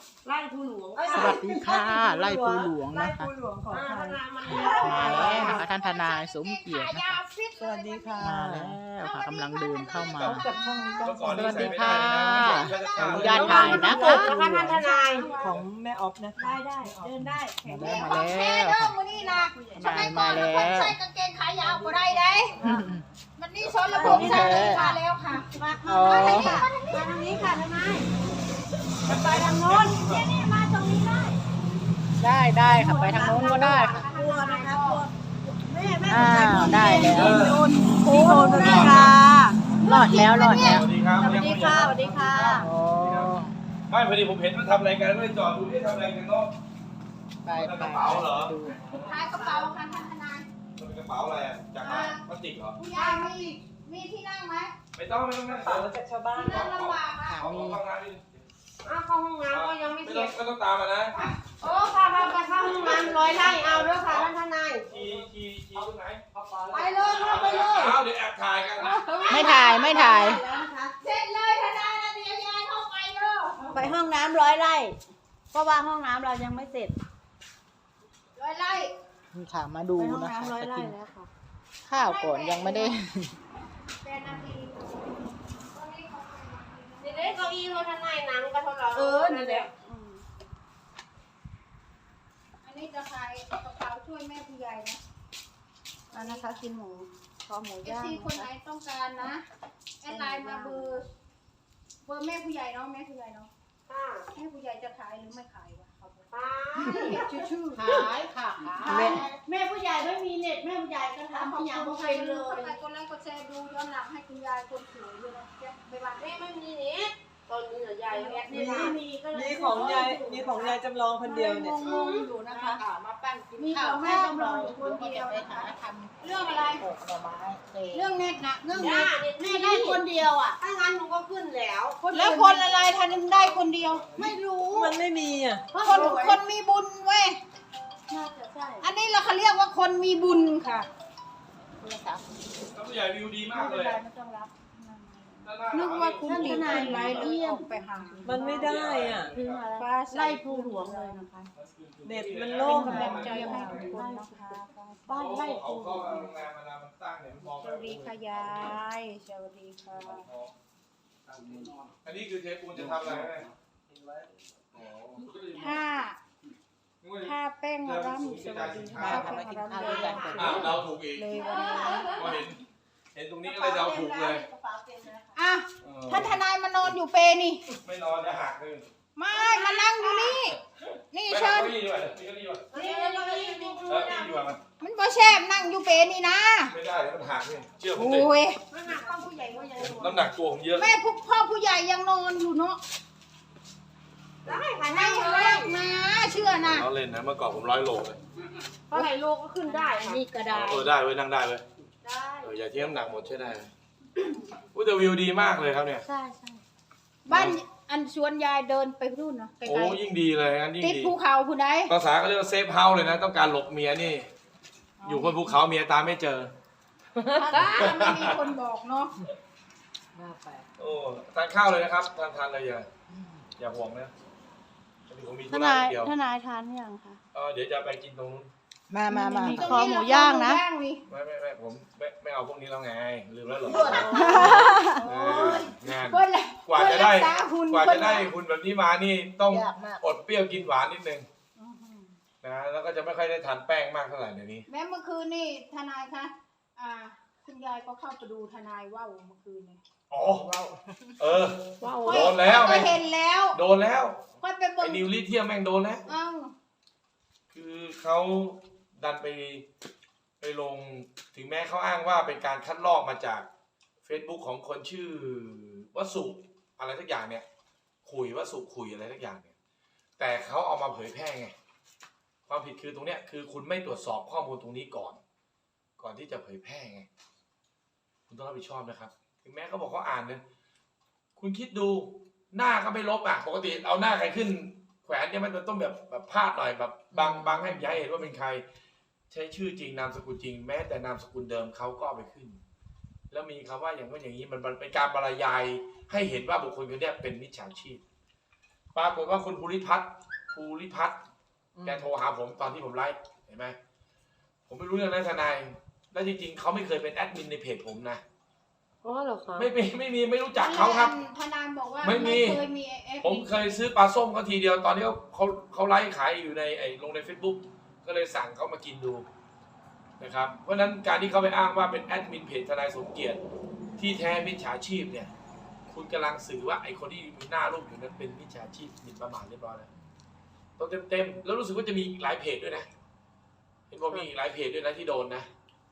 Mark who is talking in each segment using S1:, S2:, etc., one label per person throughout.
S1: ไล่ภูหลวง
S2: สวัสดีค่ะไล่ปูหลวง
S3: ไล่
S2: นะคะ
S3: ปูหลวงของไทย
S2: มาแล้วนะคะท่านทนายสมเกียรตินะคะ
S3: สวัสดีค่ะ
S2: มาแล้วค่ะกำลังเดินเข้ามา
S3: พบกับช่องนี้ก็
S2: สวัสดีค่ะขออนุญาต
S1: ถ่า
S2: ถ่าย ย
S1: นะ
S2: นะคะ คะ
S1: ท่านทนาย
S3: ของแม่ออฟนะคะ
S1: ได้เดินได้
S2: มาแล้วค่ะ
S4: มื้อนี้นะ
S2: ทนายมาแล้ว
S4: ใส่กางเกงขายาวก็ได้ได้มันนี่ชนระบ
S2: ของ
S4: บ
S2: แท้
S4: ใส่มาแล้วค่ะมา
S2: อ๋อ
S1: ทางนี้ค่ะทนายไปทางโน้น
S4: นี่มาตรงนี้ได้
S2: ได้ค่ะไปทางโน้นก็ได้ค่ะ
S1: กลัวนะคะกลัวแม่แม่
S2: อ้าวได้แล้ว
S1: พี่โอนสวัสดีค่ะ
S2: รอดแล้วรอดแล้ว
S5: สวัสดีครับ
S1: สวัสดีค่ะสวัสดีค่ะ
S2: โอ้
S5: ไม่พอดีผมเห็นมันทำอะไรกันก็เลยจอดดูที่ทำอะไรกันเนาะ
S2: ไป
S5: กระเป๋าเหรอ
S2: ดู
S4: ขายกระเป๋าค่ะท่านทนาย
S5: มันเป็นกระเป๋าอะไรอะจากอะไรพลาสติกเหรอ
S4: ผู้ใหญ่มีที่นั่งไหม
S5: ไม่ต้องนั่ง
S3: เป๋าจากชาวบ้าน
S4: ที่นั่งลำบากอ่ะ
S5: เอาเข้าห้องน้ำดิ
S1: อ้าวเข้าห้องน้ำก็ยังไม่
S5: ไม่
S1: เส
S5: ต้
S1: ร็
S5: อง
S1: จ
S5: ไม่ต้องตามมานะ
S1: โอ้ค่ะค่ะไปเข้าห้องน้ำร้อยไร่เอาด้วยค่ะท่านทนาย
S5: ขี่ตรงไหน
S1: ไปเลยค่ะไปเลย
S5: เอาเดี๋ยวแอบถ่ายกันนะ
S2: ไม่ถ่ายไม่ถ่าย
S1: แล้วนะคะ
S4: เสร็จเลยทนายนะเดี๋ยวยายเข้าไปเด้อ
S1: ไปห้องน้ำร้อยไร่เพราะว่าห้องน้ำเรายังไม่เสร็จ
S4: ร้อยไล่
S2: นี่ค่ะมาดู
S1: ไปห้อง
S2: นะคะ
S1: น้ำร้อย
S2: จะ
S1: ไร่
S2: กิน
S1: แล้วค่ะ
S2: ข้าวก่อนยังไม่ได้
S4: 8 นาที
S1: นี่เด็กเก้าอี้เขาทนายหนังก็เท่าเรานี่แหละ
S4: อันนี้จะขายกระเป๋าช่วยแม่ผู้ใหญ่นะ
S1: อันนะคะกินหมูคอหมู
S4: เอย่
S1: าง
S4: ซีคนไหน
S1: นะคะ
S4: ต้องการนะแอดไลน์มาเบอร์แม่ผู้ใหญ่เนาะแม่ผู้ใหญ่เนาะ
S1: ค่ะ
S4: แม่ผู้ใหญ่จะขายหรือไม่ขายวะเขาบอก
S1: ค่ะ
S4: ชื่อ
S2: ขายค่ะ
S1: แม่ผู้ใหญ่ไม่มีเน็ตแม่ผู้ใหญ่ก็
S4: ทำ
S1: ทำ
S4: ทุ
S1: ทุ
S4: ก
S1: ก
S4: อ
S1: อย่
S4: า
S1: ย่าง ง
S4: บ่
S1: บ่
S4: เค
S1: เค
S4: ย
S1: ย
S4: เล
S1: เลย ย
S4: กดไลค์กดแชร์ดูย้อนหลังให้คุณยายคนสวยด้วยนะไปบ้าน
S1: แม่ไม่มีเน็ตตอนนี้ใหญ่แอด
S3: มี
S1: ไม่มีก็เลย
S3: มีของยายจำลองคนเดียวเนี่ย
S4: งงๆอยู่นะคะ
S2: มาปั้นกิน
S4: มี
S2: ข้า
S4: ข
S2: ว
S4: องแม่จำลองอยู่คนเดียว
S2: ไป
S4: นะคะ
S2: หาทำ
S4: เรื่องอะไร
S2: โขกหน่อไม้เตะ
S4: เรื่องเน็ตนะเรื่องเน็
S1: ย่า
S4: ต
S1: เน็ต
S4: แม่
S1: แม่
S4: ได้
S1: ได้
S4: ค
S1: คน
S4: นเดียวอ่ะ
S1: ถ้างั้นหนูก็ขึ้นแล้ว
S4: แล้วคนอะไรทันได้คนเดียว ไม่รู้
S3: มันไม่มีอ่ะ
S4: คนมีบุญเว้ย
S1: น่าจะใช่
S4: อันนี้เราเขาเรียกว่าคนมีบุญค่ะ
S5: แล้วผู้ใหญ่วิวดีมากเลย
S4: ไม่ต้องรับ
S5: นึกว่าคุณ
S4: ทนายไลฟ์เยี่ยมไปหา
S3: มันไม่ได้อ่ะ
S1: ถึงอะไรไล่ภูหลวงเลยนะคะ
S3: เน็ตมันโล่ง
S4: กำลั
S3: อะ
S4: งใจให้ทุกคนนะคะ
S1: บ้านไล่
S5: เขา
S1: ภูหล
S5: เข้าว
S1: ง
S5: โรงแรมเวลามันตั้งเนี่ยมันมอง
S4: สวัสดีค่ะยายสวัสดีค่ะ
S5: อันนี้คือเทปูนจะทำอะไรไหม
S4: ถ้าแป้งร่ำสวัสดีค่ะแป้งร่ำเลย
S5: อ้าวเราถูกอีก
S4: เลยวันนี้
S5: ก็เห็นตรงนี้ก็เลยเราถูกเลย
S4: อ่ะท่านทนายมานอนอยู่เปนี่
S5: ไม่นอนจะหักเลย
S4: ไม่มานั่งอยู่นี่ นี่
S5: ไม่
S4: เชิ
S5: เอา
S4: ญ
S5: เก้าอี้ดีกว่านี่ก็ดีกว่า
S1: นี่
S5: ดีกว่ามัน
S4: มันบ่แชบนั่งอยู่เปนี่นะ
S5: ไม่ได้แล้วมันหักนี่เชื่อผม
S4: โอ้
S5: ดิ
S4: ย
S1: มาหาต้องผู้ใหญ่ว่าใหญ่หลวง
S5: น้ำหนักตัวผมเยอะ
S4: แม่พ่อผู้ใหญ่ยังนอนอยู่เนาะ
S1: ได้ค่ะ
S4: นั่
S1: นั่
S4: ง
S1: ง
S4: เลิ
S1: เลย
S4: กนะเชื่อนะ
S5: เราเล่นนะเมื่อก่อนผม100 โลเลย
S1: เพราะไหนโลก็ขึ้นได้ค่ะ
S4: นี่ก็ได้
S5: ได้เว้ยนั่งได้เว้ย
S1: ได้
S5: อย่าทิ้งน้ำหนักหมดใช่ได้เลยอุ้ยแต่วิวดีมากเลยครับเนี่ย
S1: ใช่ใช่
S4: บ้านอันชวนยายเดินไปนู่นเนาะไก
S5: โอ้
S4: ล
S5: ยิ่งดีเลยงั้นยิ่ง
S4: ๆติด
S5: ดี
S4: ภูเขาผู้ใด
S5: ภาษาก็เรียกว่าเซฟเฮาส์เลยนะ ต้องการหลบเมียนี่ อยู่บนภูเขาเมียตามไม่เจอ
S4: ถ้าไม่มีคนบอกเนาะ
S5: โอ้ทานข้าวเลยนะครับทานเลยอย่าห่วงนะผมมี
S1: ท
S5: ธุระ
S1: นาย
S5: เดียว
S1: ทนายทานหรือยังคะ
S5: เดี๋ยวจะไปกินตรงนู้น
S2: มามามา
S4: ตรง
S1: คอ
S4: นี้
S1: หมูย่างนะ
S4: คอหมูย่างนี่
S5: ไม่ผมไม่เอาพวกนี้แล้วไงลืมแล้วเหรอ
S4: โอ้ย
S5: งาน
S4: เพิ่นละ
S5: กว่าจะได้
S4: เพิ่นรักษาหุ่น
S5: กว่าจะได้
S4: เพิ่น
S5: หุ่นแบบนี้มานี่ต้อง
S2: ยากมาก
S5: อดเปรี้ยวกินหวานนิดนึงนะแล้วก็จะไม่ค่อยได้ทานแป้งมากเท่าไหร่เดี๋ยวนี้
S4: แม้เมื่อคืนนี่ทนายคะคุณยายก็เข้าไปดูทนายว่าวเมื่อคืนเนี่ย
S5: อ๋อเออ
S1: ว้าว
S5: โดนแล้ว
S4: ก็เห็นแล้ว
S5: โดนแล้ว
S4: ค่อยไปเบิ่
S5: ไอ้
S4: ง
S5: นิวลิเทียมแม่งโดนแล้ว
S4: เอ้า
S5: คือเขาดันไปลงถึงแม้เขาอ้างว่าเป็นการคัดลอกมาจาก Facebook ของคนชื่อวสุอะไรสักอย่างเนี่ยวสุขุยอะไรสักอย่างเนี่ยแต่เขาเอามาเผยแพร่ไงความผิดคือตรงเนี้ยคือคุณไม่ตรวจสอบข้อมูลตรงนี้ก่อนที่จะเผยแพร่ไงคุณต้องรับผิดชอบนะครับถึงแม้เขาบอกเขาอ่านเนี่ยคุณคิดดูหน้าก็ไม่ลบอ่ะปกติเอาหน้าใครขึ้นแขวนเนี่ยมันต้องแบบพาดหน่อยแบบบังให้ย้ายเห็นว่าเป็นใครใช้ชื่อจริงนามสกุลจริงแม้แต่นามสกุลเดิมเขาก็เอาไปขึ้น แล้วมีคำว่าอย่างว่าอย่างนี้มันเป็นการบรรยายให้เห็นว่าบุคคลคนนี้เป็นมิจฉาชีพปรากฏว่าคุณภูริพัฒน์แกโทรหาผมตอนที่ผมไลฟ์เห็นไหมผมไม่รู้เรื่องนั้นทนายและจริงๆเขาไม่เคยเป็นแอดมินในเพจผมนะ
S1: อ๋อเหรอคะ
S5: ไม่รู้จักเขาครับ
S4: ทนายบอกว่า
S5: ไม่มี
S4: เคยมี
S5: ผมเคยซื้อปลาส้มเขาทีเดียวตอนนี้เขาไลฟ์ขายอยู่ในลงใน Facebook ก็เลยสั่งเขามากินดูนะครับเพราะฉะนั้นการที่เขาไปอ้างว่าเป็นแอดมินเพจทนายสมเกียรติที่แท้มิจฉาชีพเนี่ยคุณกำลังสื่อว่าไอ้คนที่มีหน้ารูปอยู่นั้นเป็นมิจฉาชีพหมิ่นประมาทเรียบร้อยแล้วต้องเต็มแล้วรู้สึกว่าจะมีอีกหลายเพจด้วยนะเห็นบอกมีอีกหลายเพจด้วยนะที่โดนนะ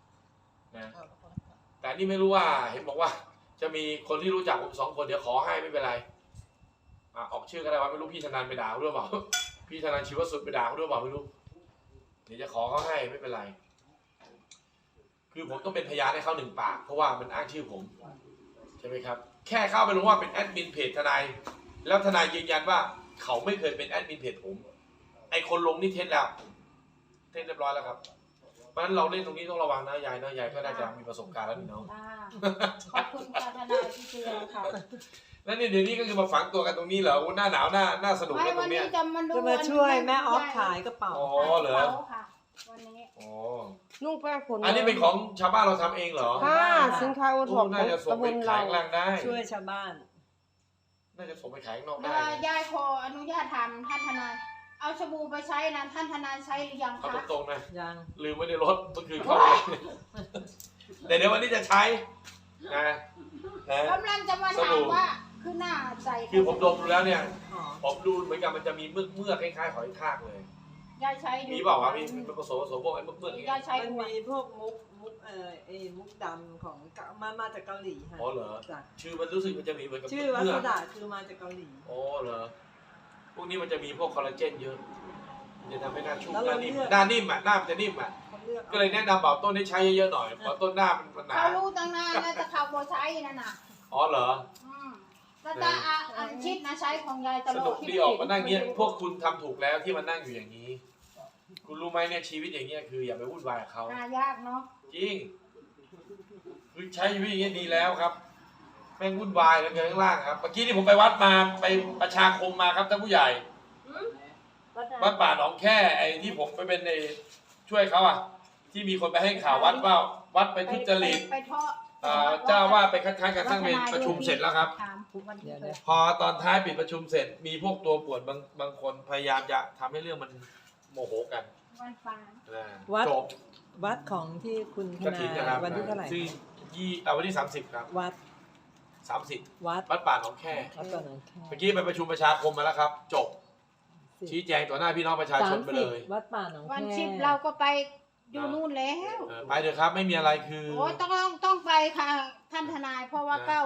S5: แต่นี่ไม่รู้ว่าเห็นบอกว่าจะมีคนที่รู้จักผม2 คนเดี๋ยวขอให้ไม่เป็นไรออกชื่อก็ได้ว่าไม่รู้พี่ธนันไปด่าเขาด้วยเปล่าพี่ธนันชีวสุดไปด่าเขาด้วยเปล่าไม่รู้เดี๋ยวจะขอเขาให้ไม่เป็นไรคือผมต้องเป็นพยานให้เขา1 ปากเพราะว่ามันอ้างชื่อผมใช่ไหมครับแค่เข้าไปรู้ว่าเป็นแอดมินเพจทนายแล้วทนายยืนยันว่าเขาไม่เคยเป็นแอดมินเพจผมไอคนลงนี่เท็จแล้วเท็จเรียบร้อยแล้วครับเพราะฉะนั้นเราเล่นตรงนี้ต้องระวังนะยายนะยายก็น่าจะมีประสบการณ์แล้วนี่เนาะ
S4: ขอบคุณค่ะทนายที่เตือนค่ะ
S5: แล้วนี่เดี๋ยวนี้ก็คือมาฝังตัวกันตรงนี้เหรอหน้าหนาวน่าสนุก
S4: ไม่
S5: เลยตร
S4: วัน
S5: งเนี้
S4: นี้
S5: ย
S4: จะมาดู
S3: จะมาช่วยแม่ออฟขายกระเป๋า
S5: อ๋อเหรอ
S4: ค่ะวันนี้
S5: อ๋อ
S1: นุ่งแป้งขน
S5: อันนี้เป็นของชาวบ้านเราทำเองเหรอ
S1: ค่ะสินค้าโอท็อป
S5: น่าจะส่ง
S1: ตำบ
S5: ไป
S1: ล
S5: ขา
S1: เรา
S5: ยข้างล่างได้
S3: ช่วยชาวบ้าน
S5: น่าจะส่งไปขายข้างนอกได้นะ
S4: ยายขออนุญาตถามท่านทนายเอาสบู่ไปใช้นะท่านทนายใช้หรือยัง
S5: เอา
S4: คะ
S5: ตรงๆนะ
S3: ยัง
S5: ลืมไว้ในรถเมื่อคืนเข้าไปแต่เดี๋ยววันนี้จะใช้นะนะ
S4: กำลังจะมาถามว่าคือหน้าใจ
S5: คือผมดมดูแล้วเนี่ย
S3: อ๋อ
S5: ผมดูเหมือนกับมันจะมีเมือกคล้ายๆหอยทากเลย
S4: ยายใช้อยู่
S5: มีเปล่าวะมีผสมพวกไอ้เมือกอย่าง
S4: ยา
S5: เงี้
S4: ย
S5: ย
S4: ใช้
S3: มัน
S4: ด้วย
S3: มีพวกมุกไอ้มุกดำของมาจากเกาหลีค่ะ
S5: อ๋อเหรอ
S3: จ้ะ
S5: ชื่อมันรู้สึกมันจะมีเหมือนกับ
S3: ชื่อวั
S5: เมื
S3: ส
S5: อก
S3: ดาคือมาจากเกาหลี
S5: อ๋อเหรอพวกนี้มันจะมีพวกคอลลาเจนเยอะมันจะทำให้หน้าชุ่ม
S3: แล้ว
S5: ห
S3: เรา
S5: น้านิ่ม
S3: เลือก
S5: หน้านิ่มอ่ะหน้ามันจะนิ่มอ่ะ
S3: เขาเลือก
S5: ก็เลยแนะนำเบาต้นให้ใช้เยอะๆหน่อยเพราะต้นหน้ามันหนา
S4: เขารู้ตั้งนานนะแต่เขาโบใช้นั่นน่ะ
S5: อ๋อเหรอ
S4: แล้วจะอันชิดนะใช้ของยายต
S5: ส
S4: ลอ
S5: นุ
S4: ด
S5: กดีออกมานั่งเงี้ยพวกคุณทำถูกแล้วที่มานั่งอยู่อย่างนี้ คุณรู้ไหมเนี่ยชีวิตอย่างเงี้ยคืออย่าไปวุ่นวายกับเขา
S4: หายากเนาะ
S5: จริงคือใช้ชีวิตอย่างเงี้ยดีแล้วครับแม่งวุ่นวายกันข้างล่างครับเมื่อกี้ที่ผมไปวัดมาไปประชาคมมาครับท่านผู้ใหญ่วัดป่าหนองแค่ไอ้ที่ผมไปเป็นในช่วยเขาอ่ะที่มีคนไปให้ข่าววัดว่าวัดไปทุจริต
S4: ไปทอด
S5: เจ้าว่าไปคัดค้านการสร้างเวรประชุมเสร็จแล้วครับ
S4: ถามวันนี้เลย
S5: พอตอนท้ายปิดประชุมเสร็จมีพวกตัวป่วนบางคนพยายามจะทำให้เรื่องมันโมโหกัน
S4: วันฟาง
S5: จบ
S3: วัดของที่คุณท
S5: กระ
S3: นา
S5: ถินนะค
S3: ย
S5: รับ
S3: วันที่เท่าไหร่
S5: ซึ่งวันที่30ครับ
S3: วัด
S5: 30
S3: วัด
S5: วัดป่าหนองแค่
S3: วัดก่อนหนองแค่
S5: เมื่อกี้ไปประชุมประชาคมมาแล้วครับ จบชี้แจงต่อหน้าพี่น้องประชาชนไปเลย
S3: วัดป่าหนองแค่
S4: วันชิปเราก็ไปอยู่นู่นแล้ว
S5: ไปเถอะครับไม่มีอะไรคือ
S4: โอ้ต้องไปค่ะท่านทนายเพราะว่า
S5: นะ
S4: เก้า